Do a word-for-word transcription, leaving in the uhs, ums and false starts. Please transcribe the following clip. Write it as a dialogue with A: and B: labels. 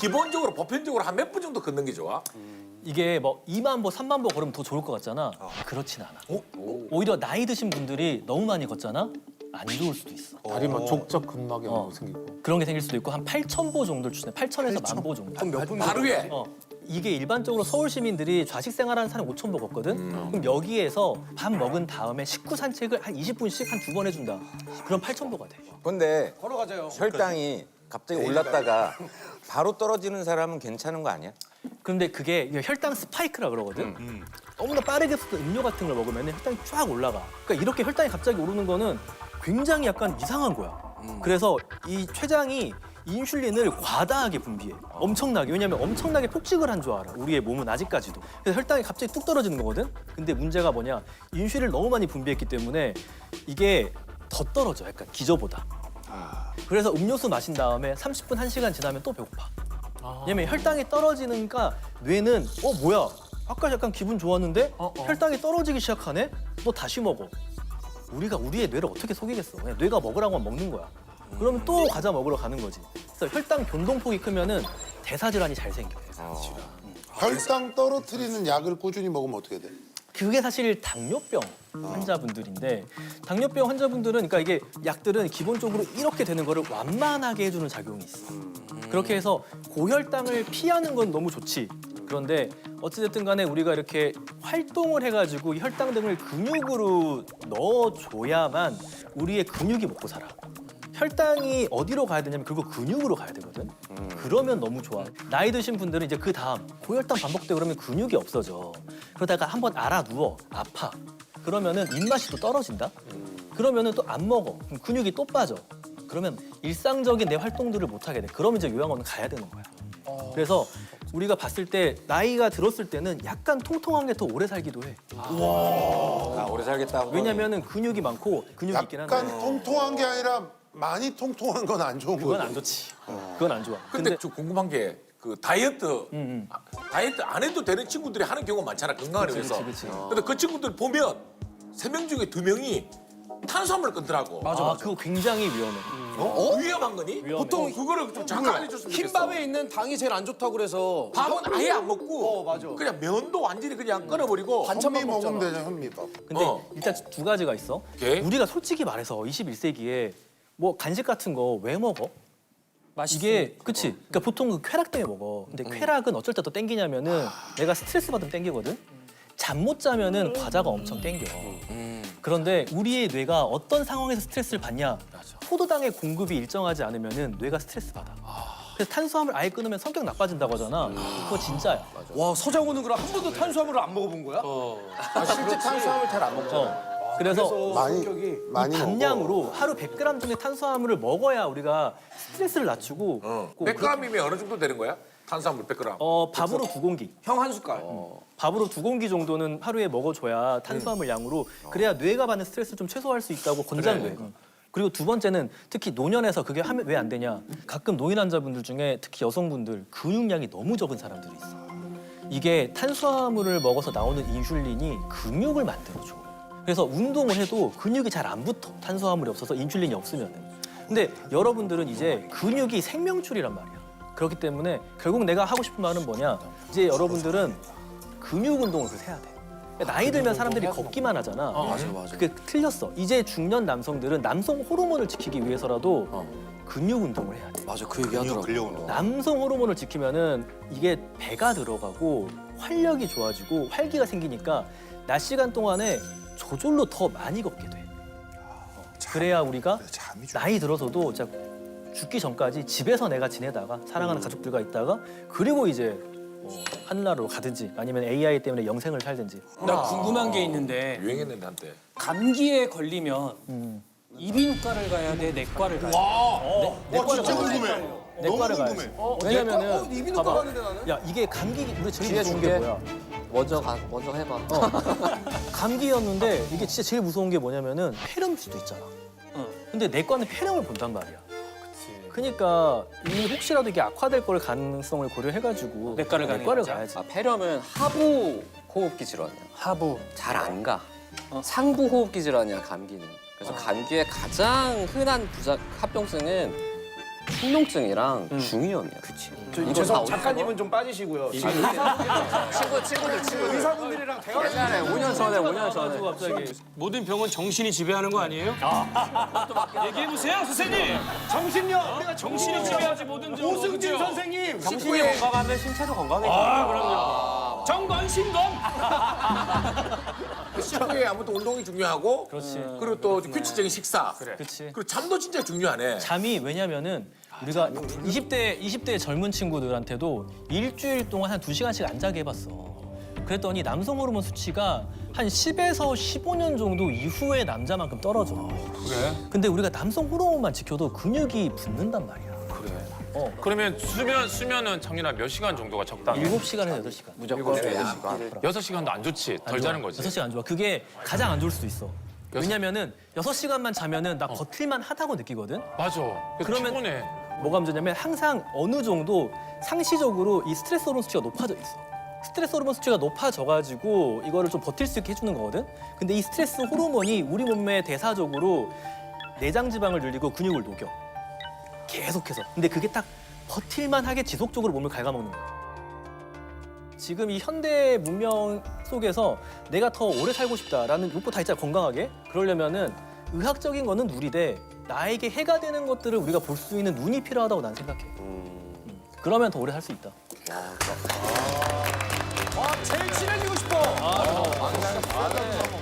A: 기본적으로 보편적으로 한 몇 분 정도 걷는 게 좋아?
B: 이게 뭐 이만 보, 삼만 보 걸으면 더 좋을 것 같잖아. 그렇진 않아. 오히려 나이 드신 분들이 너무 많이 걷잖아? 안 좋을 수도 있어.
C: 다리 막 족적 근막이
B: 어.
C: 생기고.
B: 그런 게 생길 수도 있고 한 팔천 보 정도를 추천해. 팔천에서 만 보 정도.
D: 그럼 몇 분?
A: 하루에?
B: 어. 이게 일반적으로 서울 시민들이 좌식 생활하는 사람이 오천 보 걷거든? 그럼 여기에서 밥 먹은 다음에 식후 산책을 한 이십 분씩 한 두 번 해준다. 그럼 팔천 보가 돼.
E: 근데
D: 걸어가자요.
E: 혈당이 갑자기 올랐다가 바로 떨어지는 사람은 괜찮은 거 아니야?
B: 그런데 그게 혈당 스파이크라 그러거든? 너무나 빠르게 쏟은 음료 같은 걸 먹으면 혈당이 쫙 올라가. 그러니까 이렇게 혈당이 갑자기 오르는 거는 굉장히 약간 이상한 거야. 그래서 이 췌장이 인슐린을 과다하게 분비해. 엄청나게. 왜냐면 엄청나게 폭식을 한 줄 알아. 우리의 몸은 아직까지도. 그래서 혈당이 갑자기 뚝 떨어지는 거거든? 근데 문제가 뭐냐. 인슐린을 너무 많이 분비했기 때문에 이게 더 떨어져. 약간 기저보다. 그래서 음료수 마신 다음에 삼십 분, 한 시간 지나면 또 배고파. 왜냐면 혈당이 떨어지니까 뇌는 어 뭐야? 아까 약간 기분 좋았는데 혈당이 떨어지기 시작하네? 너 다시 먹어. 우리가 우리의 뇌를 어떻게 속이겠어? 그냥 뇌가 먹으라고 하면 먹는 거야. 그러면 또 과자 먹으러 가는 거지. 그래서 혈당 변동폭이 크면은 대사질환이 잘 생겨.
C: 혈당 떨어뜨리는 약을 꾸준히 먹으면 어떻게 돼?
B: 그게 사실 당뇨병 환자분들인데 당뇨병 환자분들은 그러니까 이게 약들은 기본적으로 이렇게 되는 거를 완만하게 해주는 작용이 있어. 그렇게 해서 고혈당을 피하는 건 너무 좋지. 그런데 어찌됐든 간에 우리가 이렇게 활동을 해가지고 혈당 등을 근육으로 넣어줘야만 우리의 근육이 먹고 살아. 혈당이 어디로 가야 되냐면 그거 근육으로 가야 되거든. 그러면 너무 좋아. 나이 드신 분들은 이제 그 다음 고혈당 반복되고 그러면 근육이 없어져. 그러다가 한번 알아 누워 아파. 그러면은 입맛이 또 떨어진다. 그러면은 또 안 먹어. 그럼 근육이 또 빠져. 그러면 일상적인 내 활동들을 못 하게 돼. 그러면 이제 요양원은 가야 되는 거야. 그래서 우리가 봤을 때 나이가 들었을 때는 약간 통통한 게 더 오래 살기도 해.
E: 아, 오래 살겠다고.
B: 왜냐면은 근육이 많고 근육이 있긴 한데
C: 약간 통통한 게 아니라 많이 통통한 건 안 좋은
B: 그건
C: 거죠.
B: 안 좋지. 그건 안 좋아.
A: 근데 좀 궁금한 게 그 다이어트
B: 음,
A: 아, 다이어트 안 해도 되는 친구들이 하는 경우가 많잖아 건강을
B: 그치,
A: 위해서.
B: 그치, 그치.
A: 근데 그 친구들 보면 세 명 중에 두 명이 탄수화물을 끊더라고.
B: 맞아, 맞아. 그거 굉장히 위험해.
A: 어? 위험한 거니?
B: 위험해.
A: 보통 그거를 좀 잠깐 알려줬으면 좋겠어.
D: 흰밥에 있는 당이 제일 안 좋다고 그래서
A: 밥은 아예 안 먹고
D: 어, 맞아.
A: 그냥 면도 완전히 그냥 끊어버리고
D: 반찬만
C: 현미 먹으면
D: 먹잖아.
C: 되죠, 현미밥.
B: 근데
A: 어.
B: 일단 두 가지가 있어.
A: 오케이.
B: 우리가 솔직히 말해서 이십일 세기에 뭐 간식 같은 거 왜 먹어? 이게 그치? 그러니까 보통 그 쾌락 때문에 먹어. 근데 쾌락은 어쩔 때 또 땡기냐면은 내가 스트레스 받으면 땡기거든. 잠 못 자면은 과자가 엄청 땡겨. 그런데 우리의 뇌가 어떤 상황에서 스트레스를 받냐? 포도당의 공급이 일정하지 않으면은 뇌가 스트레스 받아. 그래서 탄수화물 아예 끊으면 성격 나빠진다고 하잖아. 그거 진짜야.
D: 와 서장훈은 그럼 한 번도 탄수화물을 안 먹어본 거야?
E: 아, 실제 탄수화물 잘 안 먹잖아.
B: 어. 그래서
C: 많이
D: 성격이
C: 많이 먹어.
B: 감량으로 하루 백 그램 정도의 탄수화물을 먹어야 우리가 스트레스를 낮추고
A: 어.
B: 꼭
A: 백 그램이면 어느 정도 되는 거야? 탄수화물 백 그램.
B: 어, 밥으로 두 공기.
D: 형 한 숟갈.
B: 밥으로 두 공기 정도는 하루에 먹어줘야 탄수화물 양으로 그래야 뇌가 받는 스트레스를 좀 최소화할 수 있다고 권장돼. 그리고 두 번째는 특히 노년에서 그게 하면 왜 안 되냐? 가끔 노인 환자분들 중에 특히 여성분들 근육량이 너무 적은 사람들이 있어. 이게 탄수화물을 먹어서 나오는 인슐린이 근육을 만들어줘. 그래서 운동을 해도 근육이 잘 안 붙어. 탄수화물이 없어서 인슐린이 없으면. 근데 여러분들은 이제 근육이 생명줄이란 말이야. 그렇기 때문에 결국 내가 하고 싶은 말은 뭐냐? 이제 여러분들은 근육 운동을 그래서 해야 돼. 그러니까 나이 들면 사람들이 걷기만 하잖아.
D: 맞아, 맞아.
B: 그게 틀렸어. 이제 중년 남성들은 남성 호르몬을 지키기 위해서라도 근육 운동을 해야 돼.
D: 맞아 그 얘기 하더라고.
B: 남성 호르몬을 지키면은 이게 배가 들어가고 활력이 좋아지고 활기가 생기니까 낮 시간 동안에 저절로 더 많이 걷게 돼. 어, 그래야 우리가
C: 잠이 좀.
B: 나이 들어서도 진짜 죽기 전까지 집에서 내가 지내다가 사랑하는 가족들과 있다가 그리고 이제 뭐 하늘나라로 가든지 아니면 에이아이 때문에 영생을 살든지.
F: 나 궁금한 게 있는데
A: 유행했는데 한때.
F: 감기에 걸리면
B: 음.
F: 이비인후과를 가야 돼, 내과를 가야 돼?
C: 와, 진짜 궁금해.
B: 내과를
C: 너무
B: 가야지.
C: 궁금해.
B: 왜냐면은
D: 어, 이비인후과
B: 봐봐.
D: 가는데 나는?
B: 야 이게 감기 우리 제일 무서운 게 뭐야?
G: 먼저 가, 먼저 해봐.
B: 감기였는데 이게 진짜 제일 무서운 게 뭐냐면은 폐렴일 수도 있잖아.
F: 어.
B: 근데 내과는 폐렴을 본단 말이야. 그러니까 이 혹시라도 이게 악화될 걸 가능성을 고려해가지고
F: 내과를 가는
B: 내과를
F: 거죠?
B: 가야지.
G: 아, 폐렴은 하부 호흡기 질환이야.
F: 하부.
G: 잘 안 가.
F: 어.
G: 상부 호흡기 질환이야, 감기는. 그래서 감기의 가장 흔한 부작 합병증은 충농증이랑 중이염이야. 그치. 이거 다
D: 죄송
G: 어디서
D: 작가님은 좀 빠지시고요. 지금
G: 친구 친구들 친구들.
D: 의사분들이랑 대화
G: 옛날에 오 년 전에 오 년 전에.
B: 갑자기
H: 모든 병은 정신이 지배하는 거 아니에요? 얘기해 보세요, 선생님.
D: 정신력 우리가
H: 정신이 지배하지 모든 병.
D: 오승진 선생님
G: 정신이 건강하면 신체도 건강해져.
H: 아, 그럼요. 정건 신건.
A: 식후에 아무튼 운동이 중요하고
B: 그렇지.
A: 그리고 또 규칙적인 식사.
B: 그렇지.
A: 그리고 잠도 진짜 중요하네.
B: 잠이 왜냐면은 우리가 이십 대 이십 대 젊은 친구들한테도 일주일 동안 한 두 시간씩 안 자게 해봤어. 그랬더니 남성 호르몬 수치가 한 십에서 십오 년 정도 이후에 남자만큼 떨어져.
H: 그래?
B: 근데 우리가 남성 호르몬만 지켜도 근육이 붙는단 말이야.
I: 그러면 수면 수면은 정윤아 몇 시간 정도가 적당해?
B: 일곱 시간에서 여덟 시간.
G: 무조건 여덟 시간.
I: 여섯 시간도 안 좋지. 덜 자는 거지.
B: 여섯 시간 안 좋아. 그게 가장 안 좋을 수도 있어. 왜냐면은 여섯 시간만 자면은 나 버틸만 하다고 느끼거든.
I: 맞아.
B: 그러면-
I: 피곤해.
B: 뭐가 문제냐면 항상 어느 정도 상시적으로 이 스트레스 호르몬 수치가 높아져 있어. 스트레스 호르몬 수치가 높아져가지고 이거를 좀 버틸 수 있게 해주는 거거든. 근데 이 스트레스 호르몬이 우리 몸에 대사적으로 내장 지방을 늘리고 근육을 녹여. 계속해서. 근데 그게 딱 버틸만하게 지속적으로 몸을 갉아먹는 거야. 지금 이 현대 문명 속에서 내가 더 오래 살고 싶다라는 욕구 다 있잖아, 건강하게. 그러려면은 의학적인 거는 누리되 나에게 해가 되는 것들을 우리가 볼 수 있는 눈이 필요하다고 난 생각해. 음. 그러면 더 오래 살 수 있다.
D: 아 제일 친해지고 싶어.